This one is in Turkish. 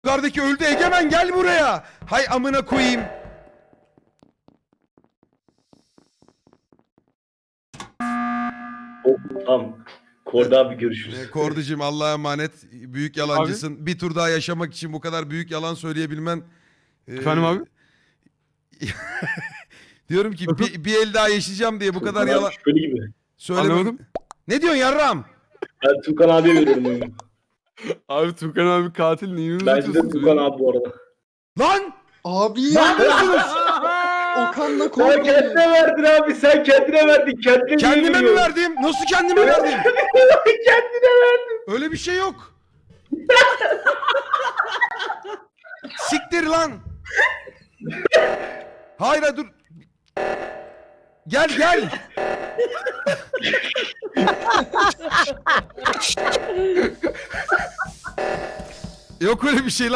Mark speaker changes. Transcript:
Speaker 1: Yukarıdaki öldü. Egemen gel buraya. Hay amına koyayım.
Speaker 2: Tamam. Korda abi görüşürüz.
Speaker 1: Korducum Allah'a emanet. Büyük yalancısın. Bir tur daha yaşamak için bu kadar büyük yalan söyleyebilmen.
Speaker 3: Efendim abi?
Speaker 1: Diyorum ki bir el daha yaşayacağım diye bu kadar
Speaker 2: Tukan abi
Speaker 1: yalan
Speaker 2: şüpheli gibi.
Speaker 1: söylemem.
Speaker 3: Anlamadım.
Speaker 1: Ne diyorsun yarram?
Speaker 2: Ben Tukan abiye veriyorum oyunu.
Speaker 3: Abi Tukan abi katil neyini
Speaker 2: Bence de
Speaker 3: uzatıyorsun?
Speaker 2: Tukan abi bu arada.
Speaker 1: Lan!
Speaker 4: Abi
Speaker 1: Ne
Speaker 4: ya.
Speaker 1: yapıyorsunuz?
Speaker 4: Okan'la
Speaker 2: Sen
Speaker 4: korkuyor.
Speaker 2: kendine verdin abi. Sen kendine verdin.
Speaker 1: Kendime mi verdim? Nasıl kendime verdim?
Speaker 2: Kendine verdin.
Speaker 1: Öyle bir şey yok. Siktir lan. Hayır hayır, dur. Gel gel. Yok öyle bir şey lan.